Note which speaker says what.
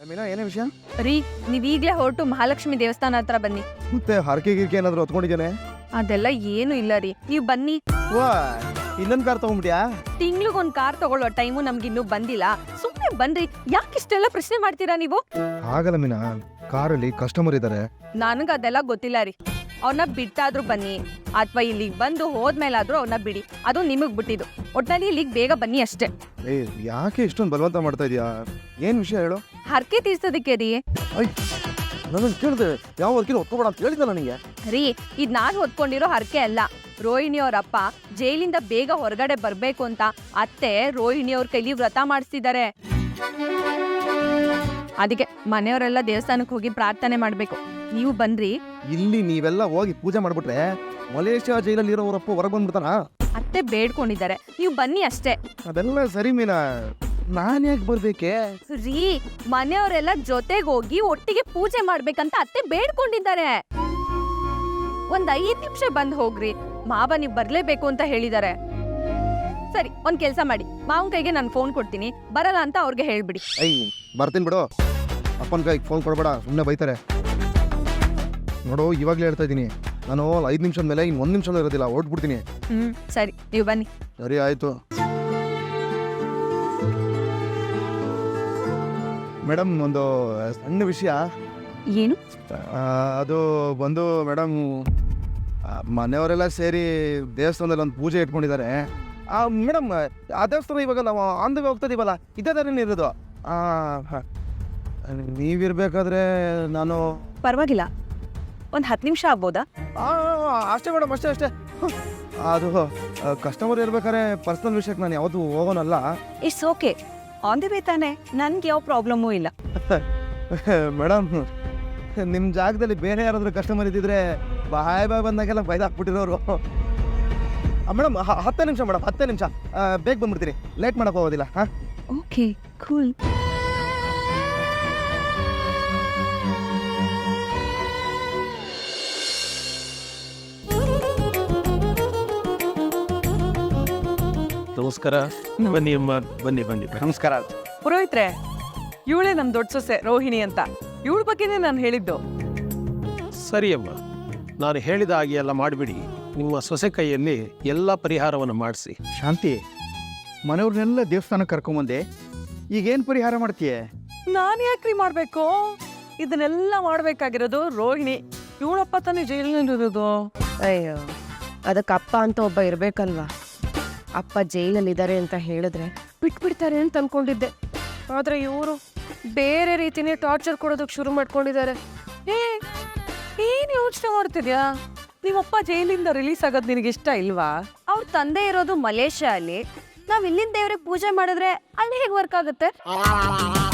Speaker 1: ಮೀನಾ ಏನೇ ವಿಷಯ?
Speaker 2: ರೀ ನೀವ್ ಈಗ್ಲೇ ಹೊರಟು ಮಹಾಲಕ್ಷ್ಮಿ ದೇವಸ್ಥಾನ ಹತ್ರ ಬನ್ನಿ.
Speaker 1: ಮತ್ತೆ ಹರಕೆ ಗಿರ್ಕೆ ಏನಾದ್ರು ಹೊತ್ಕೊಂಡಿದ್ದೇನೆ?
Speaker 2: ಅದೆಲ್ಲ ಏನು ಇಲ್ಲ ರೀ, ನೀವ್ ಬನ್ನಿ.
Speaker 1: ವಾ ಇನ್ನೊಂದ್ ಕಾರ್ ತಗೊಂಡ್ಬಿಟ್ಯಾ?
Speaker 2: ತಿಂಗ್ಳಿಗೊಂದ್ ಕಾರ್ ತಗೊಳ್ಳೋ ಟೈಮು ನಮ್ಗೆ ಇನ್ನೂ ಬಂದಿಲ್ಲ. ಸುಮ್ನೆ ಬನ್ರಿ, ಯಾಕಿಷ್ಟೆಲ್ಲ ಪ್ರಶ್ನೆ ಮಾಡ್ತೀರಾ ನೀವು?
Speaker 1: ಆಗಲ್ಲ ಮೀನಾ, ಕಾರಲ್ಲಿ ಕಸ್ಟಮರ್ ಇದಾರೆ.
Speaker 2: ನನಗ ಅದೆಲ್ಲ ಗೊತ್ತಿಲ್ಲ ರೀ. ಅವ್ರನ್ನ ಬಿಟ್ಟಾದ್ರೂ ಬನ್ನಿ ಅಥವಾ ಇಲ್ಲಿಗೆ ಬಂದು ಹೋದ್ಮೇಲಾದ್ರೂ ಅವ್ರನ್ನ ಬಿಡಿ, ಅದು ನಿಮಗ್ ಬಿಟ್ಟಿದ್ದು. ಒಟ್ನಲ್ಲಿ ಇಲ್ಲಿಗೆ ಬೇಗ ಬನ್ನಿ ಅಷ್ಟೇ.
Speaker 1: ಏ ಯಾಕೆ ಇಷ್ಟೊಂದು ಬಲವಂತ ಮಾಡ್ತಾ ಇದೀಯಾ? ಏನ್ ವಿಷಯ ಹೇಳು?
Speaker 2: ಹರಕೆ ತೀರ್ಸೋದಕ್ಕೆ ರೀ.
Speaker 1: ನಾನು ಕೇಳಿದೆ ಯಾವ ವರ್ಕಿನ ಹೊತ್ಕೋಬೇಡ ಅಂತ ಹೇಳಿದ್ದೆ ನನಗೆ.
Speaker 2: ರೀ ಇದ್ ನಾನ್ ಹೊತ್ಕೊಂಡಿರೋ ಹರಕೆ ಅಲ್ಲ. ರೋಹಿಣಿ ಅವ್ರಪ್ಪ ಜೈಲಿಂದ ಬೇಗ ಹೊರಗಡೆ ಬರ್ಬೇಕು ಅಂತ ಅತ್ತೆ ರೋಹಿಣಿ ಅವ್ರ ಕೈಲಿ ವ್ರತ ಮಾಡಿಸ್ತಿದ್ದಾರೆ. ಅದಕ್ಕೆ ಮನೆಯವರೆಲ್ಲ ದೇವಸ್ಥಾನಕ್ಕೆ ಹೋಗಿ ಪ್ರಾರ್ಥನೆ ಮಾಡ್ಬೇಕು. ನೀವು ಬನ್ರಿ.
Speaker 1: ಇಲ್ಲಿ ನೀವೆಲ್ಲ ಹೋಗಿ ಪೂಜೆ ಮಾಡ್ಬಿಟ್ರೆ ಮಲೇಷ್ಯಾ ಜೈಲಲ್ಲಿ ಇರೋರಪ್ಪ ಹೊರಗೆ ಬಂದ್ಬಿಡ್ತಾನ?
Speaker 2: ಅತ್ತೆ ಬೇಡ್ಕೊಂಡಿದ್ದಾರೆ, ನೀವು ಬನ್ನಿ ಅಷ್ಟೇ.
Speaker 1: ಅದೆಲ್ಲ ಸರಿ ಮೀನಾ, ನಾನ್ ಯಾಕೆ ಬರ್ಬೇಕೆ?
Speaker 2: ರೀ ಮನೆಯವರೆಲ್ಲ ಜೊತೆಗೆ ಹೋಗಿ ಒಟ್ಟಿಗೆ ಪೂಜೆ ಮಾಡ್ಬೇಕಂತ ಅತ್ತೆ ಬೇಡ್ಕೊಂಡಿದ್ದಾರೆ. ಒಂದ್ 5 ನಿಮಿಷ ಬಂದ್ ಹೋಗ್ರಿ. ಮಾವ ನೀವ್ ಬರ್ಲೇಬೇಕು ಅಂತ ಹೇಳಿದ್ದಾರೆ. ಸರಿ ಒಂದ್ ಕೆಲ್ಸ ಮಾಡಿ, ಮಾವನ್ ಕೈಗೆ ನಾನು ಫೋನ್ ಕೊಡ್ತೀನಿ, ಬರಲ್ಲ ಅಂತ ಅವ್ರಿಗೆ ಹೇಳ್ಬಿಡಿ.
Speaker 1: ಬರ್ತೀನಿ ಬಿಡು, ಅಪ್ಪನ ಕೈಗೆ ಫೋನ್ ಕೊಡ್ಬೇಡ, ಸುಮ್ಮನೆ ಬೈತಾರೆ. ನೋಡು ಇವಾಗ್ಲೇ ಹೇಳ್ತಾ ಇದ್ದೀನಿ, ನಾನು 5 ನಿಮಿಷದ ಮೇಲೆ ಇನ್ನು 1 ನಿಮಿಷ ಇರೋದಿಲ್ಲ, ಹೊರಟ್ಬಿಡ್ತೀನಿ.
Speaker 2: ಸರಿ ನೀವು ಬನ್ನಿ.
Speaker 1: ಸರಿ ಆಯ್ತು ಮೇಡಮ್, ಒಂದು ಸಣ್ಣ ವಿಷಯ.
Speaker 2: ಏನು?
Speaker 1: ಅದು ಬಂದು ಮೇಡಮ್, ಮನೆಯವರೆಲ್ಲ ಸೇರಿ ದೇವಸ್ಥಾನದಲ್ಲಿ ಒಂದು ಪೂಜೆ ಇಟ್ಕೊಂಡಿದ್ದಾರೆ. ಮೇಡಮ್ ಆ ದೇವಸ್ಥಾನ ಇವಾಗ ನಾವು ಆನ್ ದ ವೇ ಹೋಗ್ತಾ ಇದೀವಲ್ಲ, ಇದೇ ಥರನೇ ಇರೋದು. ನೀವಿರ್ಬೇಕಾದ್ರೆ ನಾನು
Speaker 2: ಪರವಾಗಿಲ್ಲ, ಒಂದ್ 10 ನಿಮಿಷ ಆಗ್ಬೋದಾ?
Speaker 1: ಅಷ್ಟೇ ಮೇಡಮ್, ಅಷ್ಟೇ ಅಷ್ಟೇ. ಅದು ಕಸ್ಟಮರ್ ಇರ್ಬೇಕಾದ್ರೆ ಪರ್ಸನಲ್ ವಿಷಯಕ್ಕೆ ನಾನು ಯಾವತ್ತೂ ಹೋಗೋನಲ್ಲ.
Speaker 2: It's okay, on the way ತಾನೆ, ನನ್ಗೆ ಯಾವ ಪ್ರಾಬ್ಲಮ್ಮೂ ಇಲ್ಲ.
Speaker 1: ಮೇಡಮ್ ನಿಮ್ಮ ಜಾಗದಲ್ಲಿ ಬೇರೆ ಯಾರಾದರೂ ಕಸ್ಟಮರ್ ಇದ್ದಿದ್ರೆ ಬಾಯ್ ಬಂದಾಗೆಲ್ಲ ಬೈದಾಕ್ಬಿಟ್ಟಿರೋರು. ಮೇಡಮ್ 10 ನಿಮಿಷ ಮೇಡಮ್, 10 ನಿಮಿಷ ಬೇಗ ಬಂದ್ಬಿಡ್ತೀನಿ, ಲೇಟ್ ಮಾಡಕ್ಕೆ ಹೋಗೋದಿಲ್ಲ. ಹಾಂ
Speaker 2: ಓಕೆ ಕೂಲ್.
Speaker 3: ನಮಸ್ಕಾರ. ಬನ್ನಿ ಅಮ್ಮ, ಬನ್ನಿ ಬನ್ನಿ.
Speaker 1: ನಮಸ್ಕಾರ.
Speaker 4: ಪುರೋಹಿತ್ರೆ, ಇವಳೇ ನಮ್ ದೊಡ್ಡ ಸೊಸೆ ರೋಹಿಣಿ ಅಂತ. ಇವಳ ಬಗ್ಗೆನೇ ನಾನು ಹೇಳಿದ್ದು.
Speaker 3: ಸರಿ ಅಮ್ಮ, ನಾನು ಹೇಳಿದ ಹಾಗೆ ಎಲ್ಲ ಮಾಡಿಬಿಡಿ. ನಿಮ್ಮ ಸೊಸೆ ಕೈಯಲ್ಲಿ ಎಲ್ಲ ಪರಿಹಾರವನ್ನು ಮಾಡಿಸಿ.
Speaker 5: ಶಾಂತಿ, ಮನೆಯವ್ರನ್ನೆಲ್ಲ ದೇವಸ್ಥಾನಕ್ಕೆ ಕರ್ಕೊಂಬಂದೆ, ಈಗೇನು ಪರಿಹಾರ ಮಾಡ್ತೀಯ?
Speaker 4: ನಾನು ಯಾಕ್ರಿ ಮಾಡ್ಬೇಕು? ಇದನ್ನೆಲ್ಲ ಮಾಡ್ಬೇಕಾಗಿರೋದು ರೋಹಿಣಿ. ಇವಳಪ್ಪ ತಾನೇ ಜೈಲಿನಲ್ಲಿರೋದು.
Speaker 6: ಅಯ್ಯೋ, ಅದಕ್ಕೆ ಅಪ್ಪ ಅಂತ ಒಬ್ಬ ಇರ್ಬೇಕಲ್ವಾ? ಅಪ್ಪ ಜೈಲಲ್ಲಿದ್ದಾರೆ ಅಂತ ಹೇಳಿದ್ರೆ ಬಿಟ್ಬಿಡ್ತಾರೆ ಅಂತ ಅನ್ಕೊಂಡಿದ್ದೆ. ಆದ್ರೆ ಇವರು ಬೇರೆ ರೀತಿನೇ ಟಾರ್ಚರ್ ಕೊಡೋದಕ್ಕೆ ಶುರು ಮಾಡ್ಕೊಂಡಿದ್ದಾರೆ.
Speaker 4: ಏನ್ ಯೋಚನೆ ಮಾಡ್ತಿದ್ಯಾ? ನಿಮ್ಮಪ್ಪ ಜೈಲಿಂದ ರಿಲೀಸ್ ಆಗೋದು ನಿನಗೆ ಇಷ್ಟ ಇಲ್ವಾ?
Speaker 2: ಅವ್ರ ತಂದೆ ಇರೋದು ಮಲೇಷ್ಯಾ ಅಲ್ಲಿ. ನಾವ್ ಇಲ್ಲಿಂದ ದೇವ್ರಿಗೆ ಪೂಜೆ ಮಾಡಿದ್ರೆ ಅಲ್ಲಿ ಹೇಗೆ ವರ್ಕ್ ಆಗುತ್ತೆ?